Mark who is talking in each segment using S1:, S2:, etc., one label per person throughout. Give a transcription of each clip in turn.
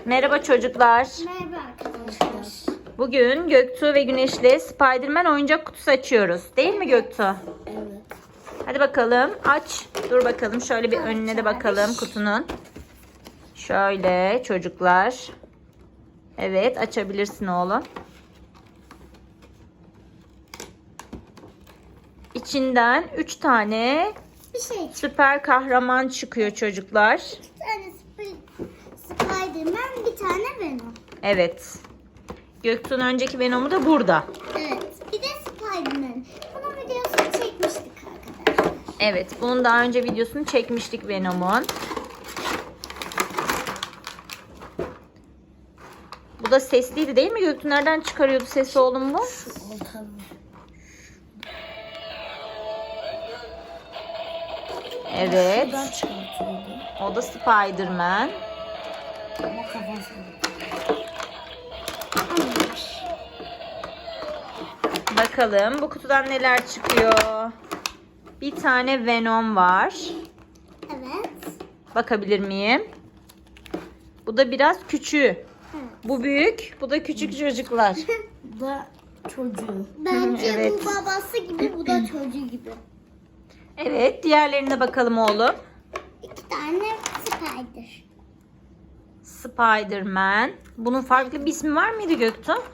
S1: Merhaba çocuklar.
S2: Merhaba arkadaşlar.
S1: Bugün Göktuğ ve Güneş'le Spider-Man oyuncak kutusu açıyoruz. Değil mi Göktuğ?
S2: Evet.
S1: Hadi bakalım aç. Dur bakalım şöyle bir önüne de bakalım kutunun. Şöyle çocuklar. Evet, açabilirsin oğlum. İçinden 3 tane
S2: Bir şey.
S1: süper kahraman çıkıyor çocuklar.
S2: Bir tane Spider-Man, bir tane Venom.
S1: Evet. Göktuğ'un önceki Venom'u da burada.
S2: Evet. Bir de Spider-Man. Bunun videosunu çekmiştik arkadaşlar.
S1: Evet, bunun daha önce videosunu çekmiştik Venom'un. Bu da sesliydi değil mi Göktuğ? Nereden çıkarıyordu sesi oğlum bu? Evet.
S2: Şuradan çıkartıyordu.
S1: O da Spider-Man.
S2: Ama kafası.
S1: Bakalım bu kutudan neler çıkıyor. Bir tane Venom var.
S2: Evet.
S1: Bakabilir miyim? Bu da biraz küçüğü. Bu büyük, bu da küçük çocuklar.
S2: Bu da çocuğu. Bence
S1: Evet.
S2: bu babası gibi, bu da çocuğu gibi.
S1: Evet, diğerlerine bakalım oğlum.
S2: 2 tane Spider.
S1: Spider-Man. Bunun farklı bir ismi var mıydı Göktuğ?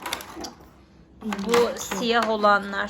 S1: Bu siyah olanlar.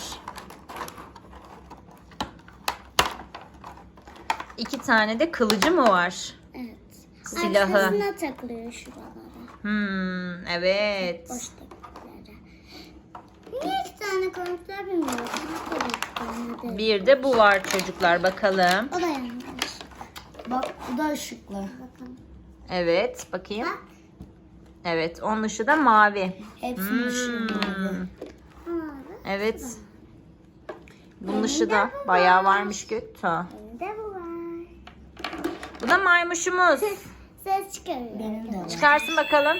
S1: 2 tane de kılıcı mı var?
S2: Evet.
S1: Silahı.
S2: Arkasına takılıyor şuralara.
S1: Evet.
S2: Boştakilere. Niye 2 tane koymuşlar bilmiyorum. Bir tane de.
S1: Bir de bu var çocuklar, bakalım.
S2: O da yanlış. Bak bu da ışıklı. Bakalım.
S1: Evet, bakayım.
S2: Bak.
S1: Evet, onun ışığı da mavi.
S2: Hepsinin ışığı mavi.
S1: Evet. Bunun ışığı da bayağı varmış Göktuğ.
S2: Benim de bu var.
S1: Bu da maymuşumuz.
S2: Ses çıkarıyor. Benim de var.
S1: Çıkarsın bakalım.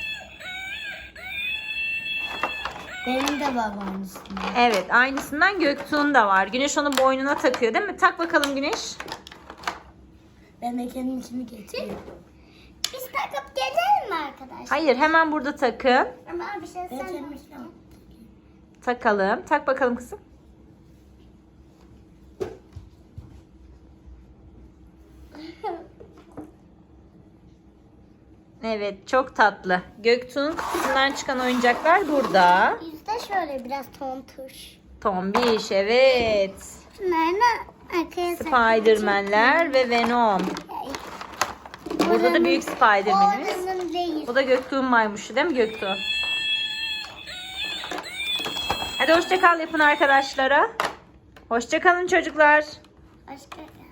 S2: Benim de var aynısından.
S1: Evet, aynısından Göktuğ'un da var. Güneş onu boynuna takıyor değil mi? Tak bakalım Güneş.
S2: Ben de kendim içimi getiriyorum. Biz takıp gelelim mi arkadaşlar?
S1: Hayır, hemen burada takın.
S2: Ama bir şey sen
S1: Takalım. Tak bakalım kızım. Evet, çok tatlı. Göktuğ'un kutusundan çıkan oyuncaklar burada.
S2: Yüzde şöyle biraz tontuş.
S1: Tombiş, evet.
S2: Şunları arkaya
S1: Spider-Man'ler ve Venom. Burada da büyük Spider-Man'imiz.
S2: Oranın değil.
S1: Bu da Göktuğ'un maymuşu değil mi Göktuğ? Hadi hoşça kal yapın arkadaşlara. Hoşça kalın çocuklar.
S2: Başka